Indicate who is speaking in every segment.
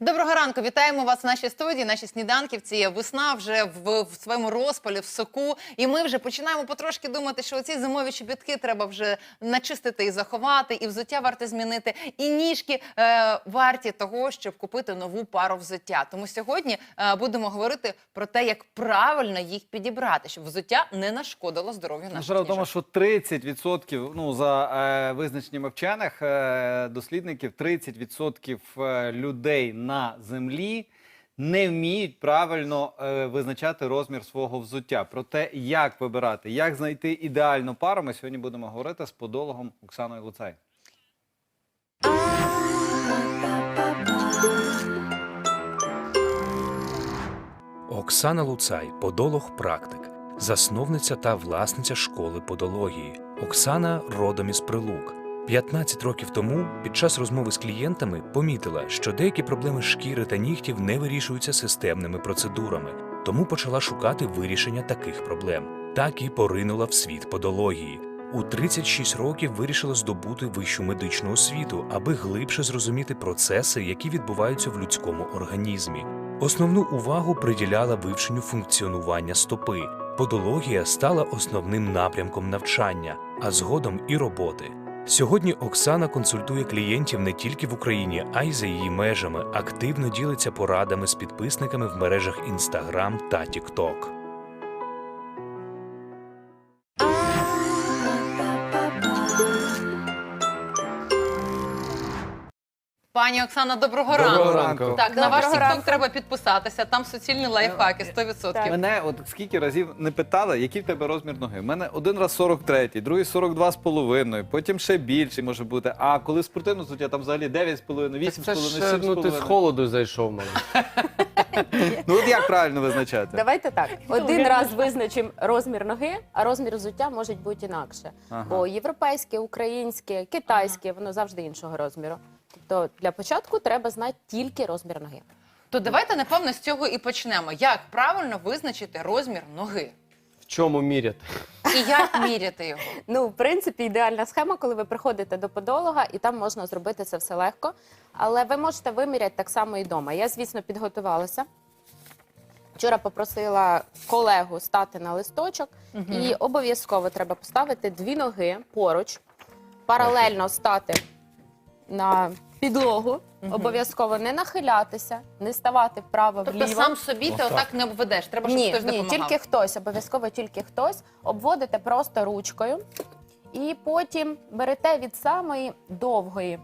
Speaker 1: Доброго ранку, вітаємо вас в нашій студії, наші сніданківці. Весна вже в своєму розпалі, в соку. І ми вже починаємо потрошки думати, що оці зимові чобітки треба вже начистити і заховати, і взуття варто змінити, і ніжки варті того, щоб купити нову пару взуття. Тому сьогодні будемо говорити про те, як правильно їх підібрати, щоб взуття не нашкодило здоров'ю наших
Speaker 2: Справа в тому,
Speaker 1: ніжок.
Speaker 2: що 30%, за визначеннями вчених дослідників, 30% людей на землі не вміють правильно визначати розмір свого взуття. Про те, як вибирати, як знайти ідеальну пару, ми сьогодні будемо говорити з подологом Оксаною Луцай.
Speaker 3: Оксана Луцай – подолог-практик, засновниця та власниця школи подології. Оксана родом із Прилук. 15 років тому під час розмови з клієнтами помітила, що деякі проблеми шкіри та нігтів не вирішуються системними процедурами, тому почала шукати вирішення таких проблем. Так і поринула в світ подології. У 36 років вирішила здобути вищу медичну освіту, аби глибше зрозуміти процеси, які відбуваються в людському організмі. Основну увагу приділяла вивченню функціонування стопи. Подологія стала основним напрямком навчання, а згодом і роботи. Сьогодні Оксана консультує клієнтів не тільки в Україні, а й за її межами, активно ділиться порадами з підписниками в мережах Instagram та TikTok.
Speaker 1: Пані Оксана, доброго
Speaker 2: Доброго
Speaker 1: ранку.
Speaker 2: ранку.
Speaker 1: Так, на ваш
Speaker 4: Доброго
Speaker 1: TikTok
Speaker 4: ранку.
Speaker 1: треба підписатися, там суцільні лайфхаки, 100%.
Speaker 4: Так.
Speaker 2: Мене от скільки разів не питали, який в тебе розмір ноги. У мене один раз 43, другий 42,5, потім ще більший може бути. А коли спортивне взуття, там взагалі 9,5, 8,5,
Speaker 5: Це ж, ну, ти з
Speaker 2: 7,5.
Speaker 5: холоду зайшов, мабуть.
Speaker 2: Ну от як правильно визначати?
Speaker 4: Давайте так. Один раз визначимо розмір ноги, а розмір взуття може бути інакше.
Speaker 2: Ага.
Speaker 4: Бо європейське, українське, китайське, воно завжди іншого розміру. Тобто для початку треба знати тільки розмір ноги.
Speaker 1: То давайте, напевно, з цього і почнемо. Як правильно визначити розмір ноги?
Speaker 5: В чому міряти?
Speaker 1: І як міряти його?
Speaker 4: Ну, в принципі, ідеальна схема, коли ви приходите до подолога, і там можна зробити це все легко. Але ви можете виміряти так само і вдома. Я, звісно, підготувалася. Вчора попросила колегу стати на листочок, і обов'язково треба поставити дві ноги поруч, паралельно стати на підлогу, обов'язково не нахилятися, не ставати вправо-вліво.
Speaker 1: Тобто сам собі ти отак не обведеш, треба, щоб хтось
Speaker 4: Ні,
Speaker 1: допомагав.
Speaker 4: тільки хтось, обов'язково тільки хтось. Обводите просто ручкою і потім берете від самої довгої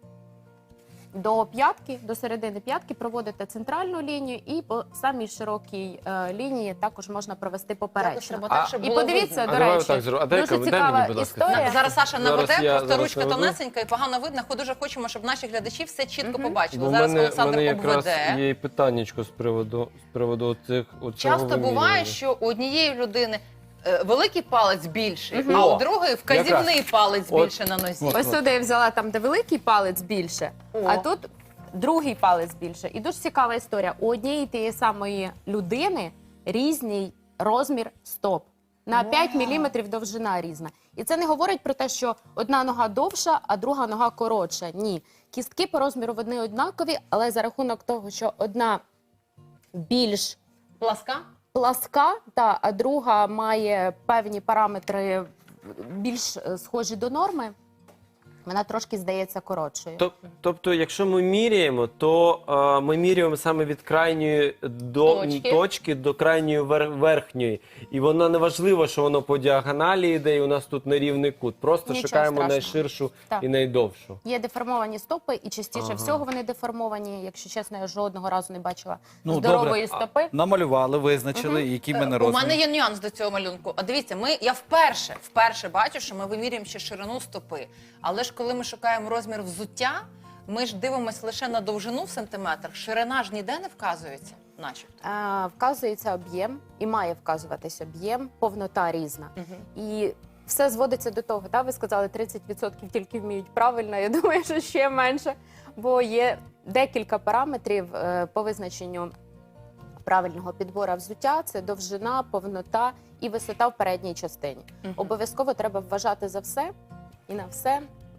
Speaker 4: до п'ятки, до середини п'ятки, проводите центральну лінію і по самій широкій лінії також можна провести поперечно.
Speaker 1: Треба так, щоб
Speaker 4: І
Speaker 1: було
Speaker 4: подивіться,
Speaker 1: видно.
Speaker 4: до
Speaker 5: давай
Speaker 4: речі,
Speaker 5: отак зробимо. А дай
Speaker 4: дуже
Speaker 5: мені,
Speaker 4: цікава
Speaker 5: будь ласка.
Speaker 4: історія.
Speaker 1: Зараз Саша наведе, просто
Speaker 5: зараз
Speaker 1: ручка
Speaker 5: наведу.
Speaker 1: тонесенька і погано видно. Дуже хочемо, щоб наші глядачі все чітко побачили.
Speaker 5: Бо в
Speaker 1: Зараз
Speaker 5: мене
Speaker 1: Олександр
Speaker 5: якраз
Speaker 1: обведе.
Speaker 5: є і питаннячко з приводу цих
Speaker 1: Часто буває, що у однієї людини великий палець більший, а у другої вказівний палець
Speaker 5: От.
Speaker 1: більше на нозі.
Speaker 4: Ось сюди я взяла там, де великий палець більше,
Speaker 1: О.
Speaker 4: а тут другий палець більше. І дуже цікава історія. У однієї тієї самої людини різний розмір стоп. На 5 міліметрів довжина різна. І це не говорить про те, що одна нога довша, а друга нога коротша. Ні. Кістки по розміру вони однакові, але за рахунок того, що одна більш
Speaker 1: Пласка?
Speaker 4: пласка, а друга має певні параметри більш схожі до норми, вона трошки здається коротшою.
Speaker 5: Тобто, якщо ми міряємо, то ми міряємо саме від крайньої точки до крайньої верхньої. І воно не важливо, що воно по діагоналі йде, і у нас тут нерівний кут. Просто
Speaker 4: Нічого
Speaker 5: шукаємо
Speaker 4: страшного.
Speaker 5: найширшу
Speaker 4: Так.
Speaker 5: і найдовшу.
Speaker 4: Є деформовані стопи, і частіше всього вони деформовані. Якщо чесно, я жодного разу не бачила здорової стопи.
Speaker 2: Намалювали, визначили, який в мене
Speaker 1: У
Speaker 2: розмір.
Speaker 1: мене є нюанс до цього малюнку. А дивіться, я вперше бачу, що ми вимірюємо ще ширину стопи. Але ж коли ми шукаємо розмір взуття, ми ж дивимося лише на довжину в сантиметрах. Ширина ж ніде не вказується, начебто.
Speaker 4: Вказується об'єм і має вказуватись об'єм, повнота різна. І все зводиться до того, ви сказали, 30% тільки вміють правильно, я думаю, що ще менше, бо є декілька параметрів по визначенню правильного підбору взуття. Це довжина, повнота і висота в передній частині. Обов'язково треба вважати за все і на все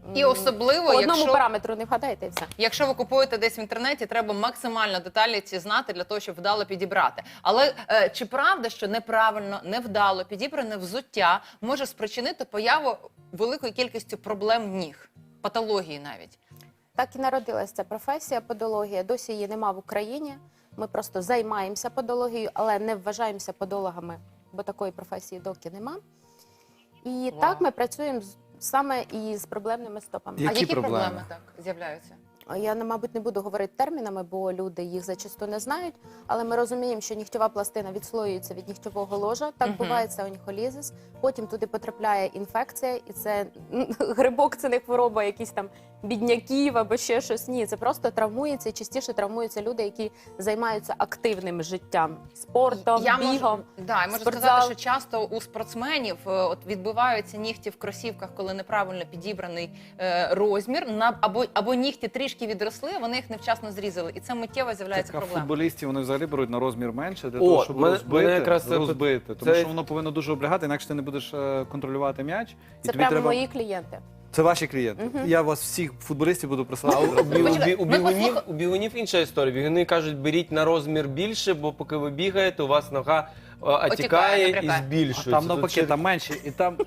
Speaker 1: І особливо,
Speaker 4: по одному
Speaker 1: якщо...
Speaker 4: параметру не вгадаєте і все.
Speaker 1: Якщо ви купуєте десь в інтернеті, треба максимально деталі ці знати для того, щоб вдало підібрати. Але чи правда, що неправильно, невдало підібране взуття може спричинити появу великої кількості проблем ніг, патології навіть?
Speaker 4: Так і народилася ця професія подологія. Досі її нема в Україні. Ми просто займаємося подологією, але не вважаємося подологами, бо такої професії доки нема. І
Speaker 1: Вау.
Speaker 4: так ми працюємо саме і з проблемними стопами.
Speaker 2: Які
Speaker 1: А які
Speaker 2: проблеми?
Speaker 1: проблеми так з'являються?
Speaker 4: Я, мабуть, не буду говорити термінами, бо люди їх зачасту не знають, але ми розуміємо, що нігтєва пластина відслоюється від нігтєвого ложа, так
Speaker 1: Мгм.
Speaker 4: буває, це оніхолізис, потім туди потрапляє інфекція, і це грибок, це не хвороба якісь там бідняків або ще щось. Ні, це просто травмується, і частіше травмуються люди, які займаються активним життям, спортом, бігом.
Speaker 1: Я можу
Speaker 4: спортзал.
Speaker 1: сказати, що часто у спортсменів от відбиваються нігті в кросівках, коли неправильно підібраний розмір, або нігті трішки відросли, вони їх невчасно зрізали, і це миттєво з'являється
Speaker 2: Так, а
Speaker 1: проблема.
Speaker 2: футболістів вони взагалі беруть на розмір менше для
Speaker 5: О,
Speaker 2: того, щоб
Speaker 5: мене
Speaker 2: розбити,
Speaker 5: якраз це
Speaker 2: розбити. Тому
Speaker 5: це-
Speaker 2: що воно повинно дуже облягати, інакше ти не будеш контролювати м'яч. І
Speaker 4: Це
Speaker 2: тобі
Speaker 4: прямо
Speaker 2: треба...
Speaker 4: мої клієнти.
Speaker 2: Це ваші клієнти. Я вас всіх футболістів буду присилати.
Speaker 5: У бігунів інша історія. Бігуни кажуть, беріть на розмір більше, бо поки ви бігаєте, у вас нога отікає і
Speaker 1: набрякає.
Speaker 2: А
Speaker 5: збільшується.
Speaker 2: там
Speaker 5: Тут
Speaker 2: навпаки,
Speaker 5: ще-
Speaker 2: там менше, і там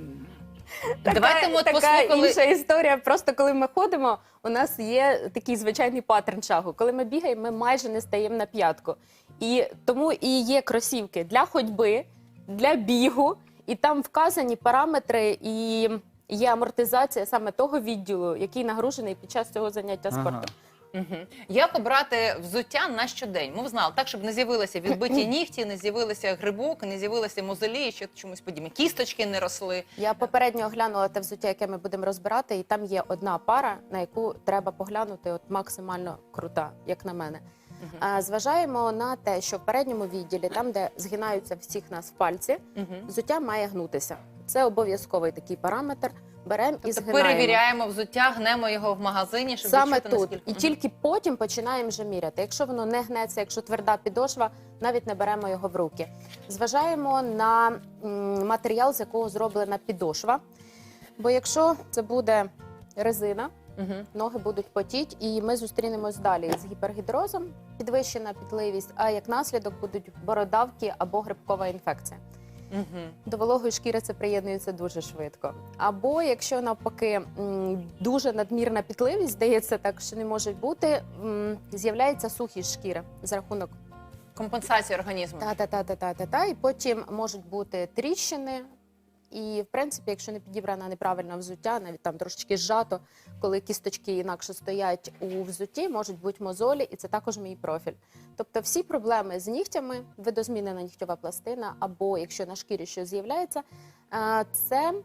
Speaker 1: Давайте ми от
Speaker 4: така
Speaker 1: послухали...
Speaker 4: інша історія. Просто коли ми ходимо, у нас є такий звичайний паттерн шагу. Коли ми бігаємо, ми майже не стаємо на п'ятку. І тому і є кросівки для ходьби, для бігу, і там вказані параметри і є амортизація саме того відділу, який нагружений під час цього заняття спортом.
Speaker 1: Мгм. Як обрати взуття на щодень? Ми знали, так, щоб не з'явилися відбиті нігті, не з'явилися грибок, не з'явилися мозолі, ще чомусь подібне. Кісточки не росли.
Speaker 4: Я попередньо оглянула те взуття, яке ми будемо розбирати, і там є одна пара, на яку треба поглянути, от максимально крута, як на мене. Зважаємо на те, що в передньому відділі, там, де згинаються всіх нас пальці, взуття має гнутися. Це обов'язковий такий параметр. Беремо і
Speaker 1: Тобто
Speaker 4: згинаємо.
Speaker 1: перевіряємо взуття, гнемо його в магазині, щоб
Speaker 4: Саме
Speaker 1: відчути,
Speaker 4: тут.
Speaker 1: наскільки...
Speaker 4: І тільки потім починаємо вже міряти. Якщо воно не гнеться, якщо тверда підошва, навіть не беремо його в руки. Зважаємо на матеріал, з якого зроблена підошва. Бо якщо це буде резина, ноги будуть потіти, і ми зустрінемось далі з гіпергідрозом, підвищена пітливість, а як наслідок будуть бородавки або грибкова інфекція. До вологої шкіри це приєднується дуже швидко. Або якщо навпаки дуже надмірна пітливість, здається так, що не може бути, з'являється сухість шкіри за рахунок
Speaker 1: Компенсація організму.
Speaker 4: та-та-та-та-та-та, і потім можуть бути тріщини. І, в принципі, якщо не підібрано неправильне взуття, навіть там трошечки зжато, коли кісточки інакше стоять у взутті, можуть бути мозолі, і це також мій профіль. Тобто всі проблеми з нігтями, видозмінена нігтєва пластина, або якщо на шкірі щось з'являється, це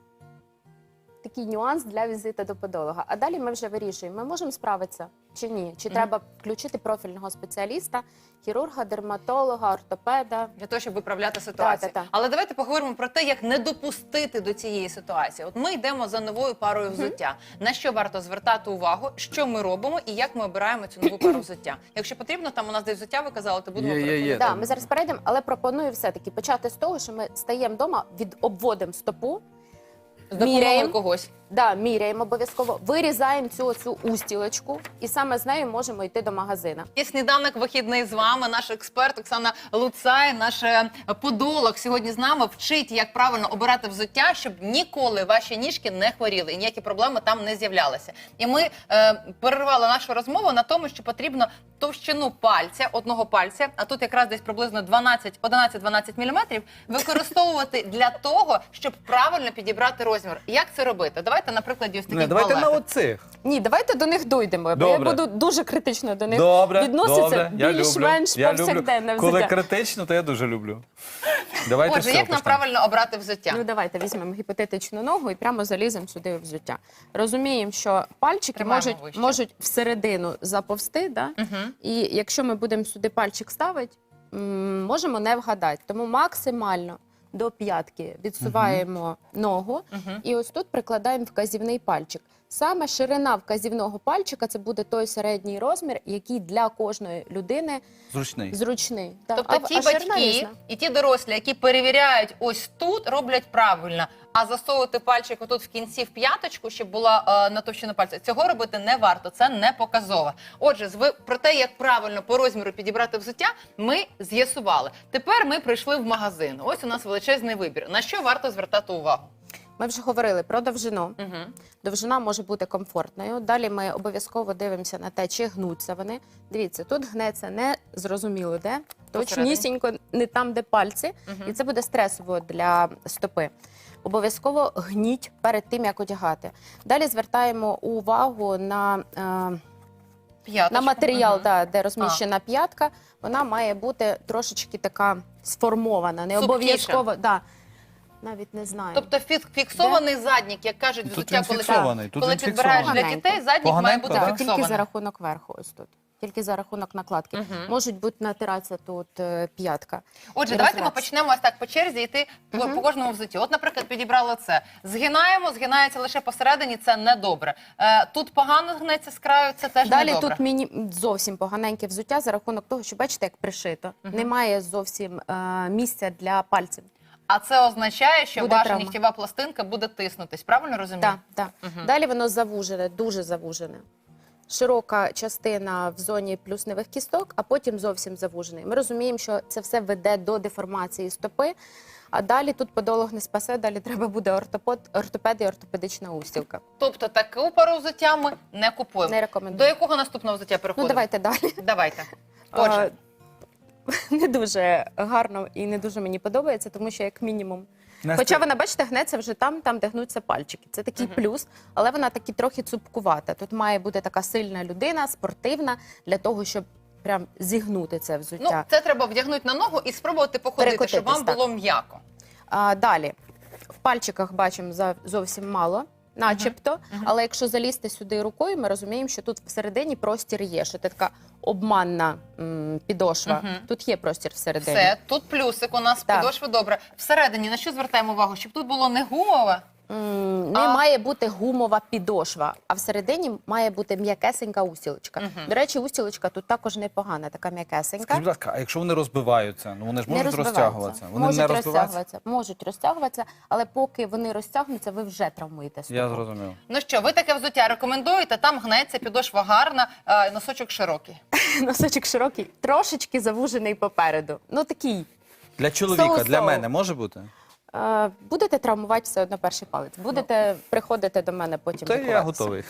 Speaker 4: такий нюанс для візиту до подолога. А далі ми вже вирішуємо, ми можемо справитися чи ні, чи треба включити профільного спеціаліста, хірурга, дерматолога, ортопеда.
Speaker 1: Для того, щоб виправляти ситуацію.
Speaker 4: Та-та-та.
Speaker 1: Але давайте поговоримо про те, як не допустити до цієї ситуації. От ми йдемо за новою парою взуття. На що варто звертати увагу, що ми робимо і як ми обираємо цю нову пару взуття. Якщо потрібно, там у нас десь взуття ви казали, то будемо
Speaker 2: Є.
Speaker 1: переходити.
Speaker 4: Да, ми зараз перейдемо, але пропоную все-таки почати з того, що ми стаємо вдома, обводимо стопу,
Speaker 1: З допомогою
Speaker 4: міряємо.
Speaker 1: когось.
Speaker 4: да, міряємо обов'язково, вирізаємо цю устілочку, і саме з нею можемо йти до магазина.
Speaker 1: Є сніданок вихідний з вами. Наш експерт Оксана Луцай, наш подолог сьогодні з нами вчить, як правильно обирати взуття, щоб ніколи ваші ніжки не хворіли і ніякі проблеми там не з'являлися. І ми перервали нашу розмову на тому, що потрібно товщину пальця, одного пальця, а тут якраз десь приблизно 11-12 мм, використовувати для того, щоб правильно підібрати розмір. Як це робити? Давайте на прикладі ось таких
Speaker 2: давайте на
Speaker 1: балеток.
Speaker 2: оцих.
Speaker 4: Ні, давайте до них дійдемо, бо я
Speaker 2: Добре.
Speaker 4: буду дуже критично до них
Speaker 2: Добре,
Speaker 4: відноситися.
Speaker 2: я
Speaker 4: Більш-менш
Speaker 2: люблю.
Speaker 4: повсякденне
Speaker 2: Коли
Speaker 4: взуття.
Speaker 2: критично, то я дуже люблю. Давайте
Speaker 1: Отже,
Speaker 2: все,
Speaker 1: як нам
Speaker 2: почнемо.
Speaker 1: правильно обрати взуття?
Speaker 4: Ну давайте візьмемо гіпотетичну ногу і прямо заліземо сюди в взуття. Розуміємо, що пальчики
Speaker 1: Тримаємо вище.
Speaker 4: можуть всередину заповзти, да? І якщо ми будемо сюди пальчик ставити, можемо не вгадати. Тому максимально до п'ятки відсуваємо ногу і ось тут прикладаємо вказівний пальчик. Саме ширина вказівного пальчика це буде той середній розмір, який для кожної людини
Speaker 2: Зручний.
Speaker 4: зручний. Так.
Speaker 1: Тобто ті
Speaker 4: ширина
Speaker 1: батьки
Speaker 4: різна.
Speaker 1: і ті дорослі, які перевіряють ось тут, роблять правильно. А засовувати пальчик отут в кінці в п'яточку, щоб була натовщина пальця, цього робити не варто, це не показово. Отже, про те, як правильно по розміру підібрати взуття, ми з'ясували. Тепер ми прийшли в магазин. Ось у нас величезний вибір. На що варто звертати увагу?
Speaker 4: Ми вже говорили про довжину.
Speaker 1: Угу.
Speaker 4: Довжина може бути комфортною. Далі ми обов'язково дивимося на те, чи гнуться вони. Дивіться, тут гнеться не зрозуміло де, точнісінько не там, де пальці. І це буде стресово для стопи. Обов'язково гніть перед тим, як одягати. Далі звертаємо увагу на матеріал, де розміщена п'ятка. Вона має бути трошечки така сформована. Не
Speaker 1: Субтіша.
Speaker 4: обов'язково. Навіть не знаю.
Speaker 1: Тобто фіксований заднік, як кажуть,
Speaker 2: Тут
Speaker 1: взуття,
Speaker 2: він фіксований, тут
Speaker 1: коли
Speaker 2: він
Speaker 1: підбираєш для
Speaker 4: фіксований.
Speaker 1: дітей, заднік має
Speaker 2: Поганенько,
Speaker 1: бути
Speaker 2: да?
Speaker 4: Тільки
Speaker 1: фіксований.
Speaker 4: за рахунок верху, ось тут. Тільки за рахунок накладки. Можуть бути натиратися тут п'ятка.
Speaker 1: Отже,
Speaker 4: І
Speaker 1: давайте ми
Speaker 4: розраз.
Speaker 1: почнемо ось так по черзі йти по кожному взутті. От, наприклад, підібрали це. Згинаємо, згинається лише посередині, це недобре. Тут погано гнеться з краю, це теж
Speaker 4: Далі
Speaker 1: недобре.
Speaker 4: тут зовсім поганеньке взуття за рахунок того, що бачите, як пришито. Немає зовсім місця для пальців.
Speaker 1: А це означає, що
Speaker 4: Буде
Speaker 1: ваша
Speaker 4: травма.
Speaker 1: нігтєва пластинка буде тиснутись. Правильно розумію?
Speaker 4: Так. Далі воно завужене, дуже завужене. Широка частина в зоні плюсневих кісток, а потім зовсім завужений. Ми розуміємо, що це все веде до деформації стопи, а далі тут подолог не спасе, далі треба буде ортопед і ортопедична устілка.
Speaker 1: Тобто таку пару взуття ми не купуємо.
Speaker 4: Не рекомендую.
Speaker 1: До якого наступного взуття переходимо?
Speaker 4: Ну, давайте далі.
Speaker 1: Давайте. Отже,
Speaker 4: Не дуже гарно і не дуже мені подобається, тому що як мінімум. Хоча вона, бачите, гнеться вже там, де гнуться пальчики. Це такий плюс, але вона таки трохи цупкувата. Тут має бути така сильна людина, спортивна, для того, щоб прям зігнути це
Speaker 1: ну,
Speaker 4: взуття.
Speaker 1: це треба вдягнути на ногу і спробувати походити, щоб вам
Speaker 4: Перекотитись,
Speaker 1: було м'яко.
Speaker 4: Далі, в пальчиках бачимо зовсім мало, начебто, але якщо залізти сюди рукою, ми розуміємо, що тут всередині простір є, що це така обманна підошва. Тут є простір всередині.
Speaker 1: Все, тут плюсик у нас,
Speaker 4: Так.
Speaker 1: підошви добре. Всередині на що звертаємо увагу? Щоб тут було не гумове,
Speaker 4: Не має бути гумова підошва, а всередині має бути м'якесенька устілочка. До речі, устілочка тут також непогана, така м'якесенька.
Speaker 2: Скажіть, будь ласка, а якщо вони розбиваються, ну вони ж
Speaker 4: Не
Speaker 2: можуть
Speaker 4: розбиваються.
Speaker 2: розтягуватися? Вони
Speaker 4: Можуть
Speaker 2: не розбиваються?
Speaker 4: можуть розтягуватися, але поки вони розтягнуться, ви вже травмуєте стопу.
Speaker 2: Я зрозумів.
Speaker 1: Ну що, ви таке взуття рекомендуєте? Там гнеться, підошва гарна, носочок широкий.
Speaker 4: Носочок широкий, трошечки завужений попереду. Ну такий.
Speaker 2: Для чоловіка,
Speaker 4: Соу-соу.
Speaker 2: для мене може бути?
Speaker 4: Будете травмувати все одно перший палець. Будете приходити до мене потім
Speaker 2: Та я
Speaker 4: лікуватися.
Speaker 2: готовий.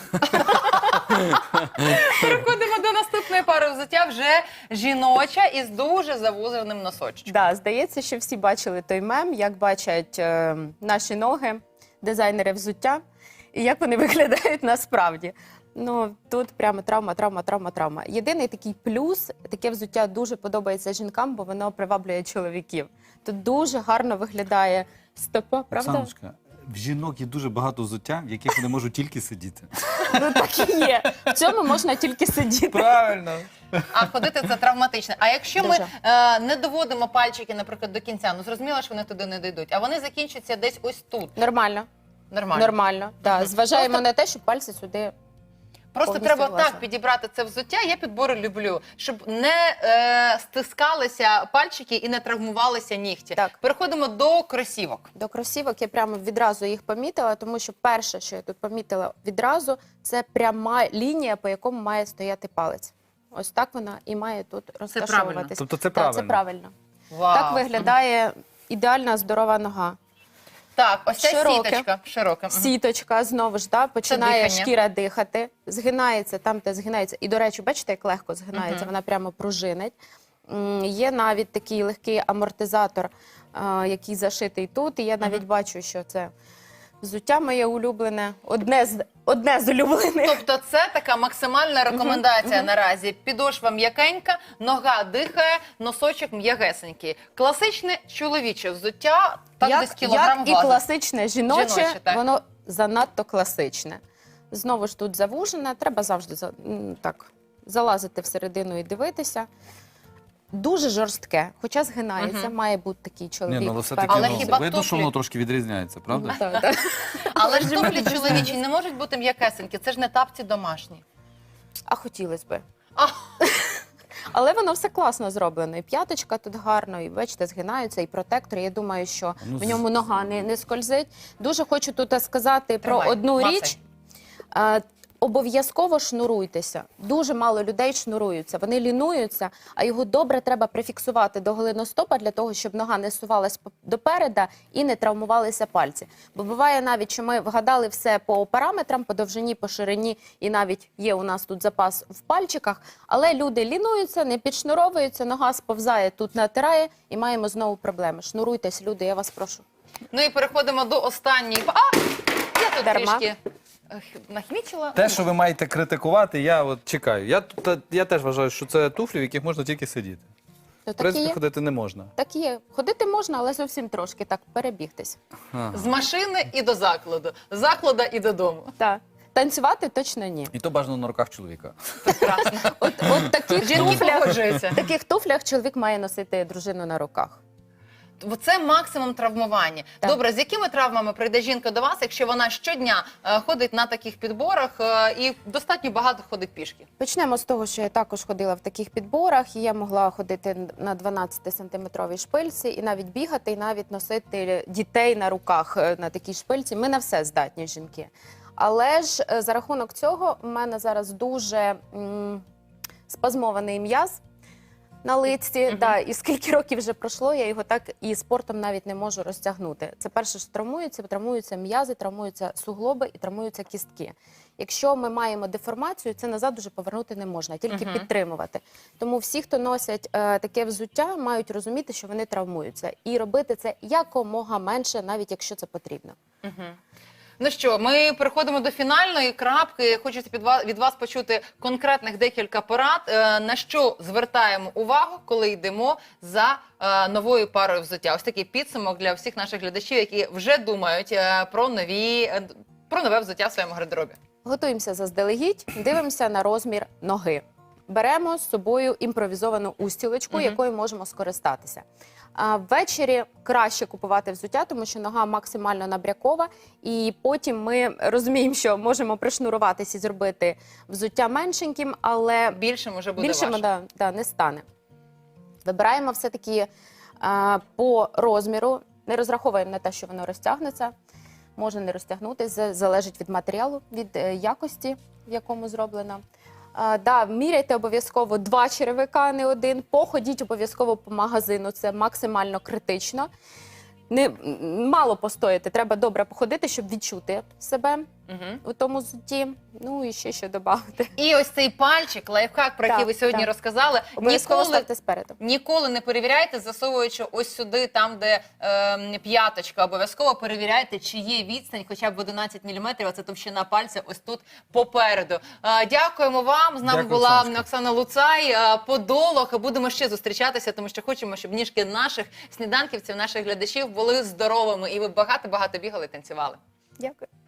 Speaker 1: Переходимо до наступної пари взуття, вже жіноча із дуже завузеним носочком.
Speaker 4: Да, здається, що всі бачили той мем, як бачать наші ноги, дизайнери взуття, і як вони виглядають насправді. Ну, тут прямо травма. Єдиний такий плюс, таке взуття дуже подобається жінкам, бо воно приваблює чоловіків. Тут дуже гарно виглядає стопа, правда?
Speaker 2: Оксаночка, в жінок є дуже багато взуття, в яких вони можуть тільки сидіти.
Speaker 4: Ну так і є. В цьому можна тільки сидіти.
Speaker 2: Правильно.
Speaker 1: А ходити це травматично. А якщо ми
Speaker 4: Дуже.
Speaker 1: не доводимо пальчики, наприклад, до кінця, ну зрозуміло, що вони туди не дійдуть, а вони закінчаться десь ось тут.
Speaker 4: Нормально.
Speaker 1: Нормально.
Speaker 4: Да. Зважаємо
Speaker 1: Просто-
Speaker 4: на те, щоб пальці сюди.
Speaker 1: Просто
Speaker 4: Повністю
Speaker 1: треба
Speaker 4: власне.
Speaker 1: так підібрати це взуття. Я підбори люблю, щоб не стискалися пальчики і не травмувалися нігті.
Speaker 4: Так.
Speaker 1: Переходимо до кросівок.
Speaker 4: До кросівок я прямо відразу їх помітила, тому що перше, що я тут помітила відразу, це пряма лінія, по якому має стояти палець. Ось так вона і має тут розташовуватись.
Speaker 2: Тобто це
Speaker 4: Так,
Speaker 2: правильно?
Speaker 4: це правильно.
Speaker 1: Вау.
Speaker 4: Так виглядає ідеальна здорова нога.
Speaker 1: Так, ось ця
Speaker 4: Широке.
Speaker 1: сіточка. Широка. Мгм.
Speaker 4: Сіточка знову ж починає
Speaker 1: дихання.
Speaker 4: шкіра дихати, згинається там, де згинається. І, до речі, бачите, як легко згинається, вона прямо пружинить. Є навіть такий легкий амортизатор, який зашитий тут. І я навіть бачу, що це взуття моє улюблене, одне з улюблених.
Speaker 1: Тобто це така максимальна рекомендація наразі. Підошва м'якенька, нога дихає, носочок м'ягесенький. Класичне чоловіче взуття, так десь кілограм
Speaker 4: як і
Speaker 1: влазить.
Speaker 4: класичне жіноче,
Speaker 1: Жіноче, так.
Speaker 4: воно занадто класичне. Знову ж тут завужене, треба завжди так залазити всередину і дивитися. дуже жорстке, хоча згинається, має бути такий чоловік.
Speaker 6: Ні, ну, але все-таки
Speaker 1: Але
Speaker 6: ну,
Speaker 1: хіба
Speaker 6: видно, що
Speaker 1: туфлі?
Speaker 6: воно трошки відрізняється, правда?
Speaker 4: Так, так.
Speaker 1: Але ж туфлі чоловічі не можуть бути м'якесенькі, це ж не тапці домашні.
Speaker 4: А хотілося би.
Speaker 1: А.
Speaker 4: Але воно все класно зроблено. І п'яточка тут гарно, і бачите, згинаються, і протектор. Я думаю, що
Speaker 6: Ну,
Speaker 4: в ньому нога не скользить. Дуже хочу тут сказати
Speaker 1: Тримай,
Speaker 4: про одну
Speaker 1: мацай.
Speaker 4: річ. Обов'язково шнуруйтеся. Дуже мало людей шнуруються. Вони лінуються, а його добре треба прифіксувати до голеностопа для того, щоб нога не сувалась допереда і не травмувалися пальці. Бо буває навіть, що ми вгадали все по параметрам, по довжині, по ширині, і навіть є у нас тут запас в пальчиках, але люди лінуються, не підшнуровуються, нога сповзає, тут натирає, і маємо знову проблеми. Шнуруйтесь, люди, я вас прошу.
Speaker 1: Ну і переходимо до останньої. Я тут
Speaker 4: Дарма.
Speaker 1: трішки нахмічила.
Speaker 6: Те, що ви маєте критикувати, я от чекаю. Я теж вважаю, що це туфлі, в яких можна тільки сидіти.
Speaker 4: Ну,
Speaker 6: В
Speaker 4: так і
Speaker 6: принципі,
Speaker 4: є.
Speaker 6: ходити не можна.
Speaker 4: Так і є. Ходити можна, але зовсім трошки так перебігтись.
Speaker 1: З машини і до закладу, з закладу і додому.
Speaker 4: Так. Танцювати точно ні.
Speaker 6: І то бажано на руках чоловіка.
Speaker 1: Прекрасно.
Speaker 4: От таких
Speaker 1: Жінки
Speaker 4: туфлях,
Speaker 1: погоджуються.
Speaker 4: в таких туфлях чоловік має носити дружину на руках.
Speaker 1: Бо це максимум травмування.
Speaker 4: Так.
Speaker 1: Добре, з якими травмами прийде жінка до вас, якщо вона щодня ходить на таких підборах і достатньо багато ходить пішки?
Speaker 4: Почнемо з того, що я також ходила в таких підборах, і я могла ходити на 12-сантиметровій шпильці, і навіть бігати, і навіть носити дітей на руках на такій шпильці. Ми на все здатні, жінки. Але ж за рахунок цього в мене зараз дуже спазмований м'яз на лиці. Да, і скільки років вже пройшло, я його так і спортом навіть не можу розтягнути. Це перше, що травмуються м'язи, травмуються суглоби і травмуються кістки. Якщо ми маємо деформацію, це назад уже повернути не можна, тільки підтримувати. Тому всі, хто носять таке взуття, мають розуміти, що вони травмуються. І робити це якомога менше, навіть якщо це потрібно.
Speaker 1: Ну що, ми переходимо до фінальної крапки. Хочеться від вас почути конкретних декілька порад. На що звертаємо увагу, коли йдемо за новою парою взуття? Ось такий підсумок для всіх наших глядачів, які вже думають про нове взуття в своєму гардеробі.
Speaker 4: Готуємося заздалегідь, дивимося на розмір ноги. Беремо з собою імпровізовану устілочку, якою можемо скористатися. Ввечері краще купувати взуття, тому що нога максимально набрякова, і потім ми розуміємо, що можемо пришнуруватися і зробити взуття меншеньким, але
Speaker 1: Більшим уже буде
Speaker 4: більшим
Speaker 1: важко.
Speaker 4: не стане. Вибираємо все-таки по розміру, не розраховуємо на те, що воно розтягнеться. Може не розтягнутися, залежить від матеріалу, від якості, в якому зроблено. Міряйте обов'язково 2 черевика, а не 1. Походіть обов'язково по магазину, це максимально критично. Мало постояти, треба добре походити, щоб відчути себе у тому взутті. Ну і ще що додати.
Speaker 1: І ось цей пальчик, лайфхак, про який
Speaker 4: Так,
Speaker 1: ви сьогодні
Speaker 4: так.
Speaker 1: розказали,
Speaker 4: Обов'язково ставте спереду.
Speaker 1: ніколи не перевіряйте, засовуючи ось сюди, там, де п'яточка. Обов'язково перевіряйте, чи є відстань, хоча б 11 мм, а це товщина пальця ось тут попереду. Дякуємо вам. З нами
Speaker 6: Дякую,
Speaker 1: була
Speaker 6: Оксаночка.
Speaker 1: Оксана Луцай, подолог. Будемо ще зустрічатися, тому що хочемо, щоб ніжки наших сніданківців, наших глядачів були здоровими. І ви багато-багато бігали, танцювали.
Speaker 4: Дякую.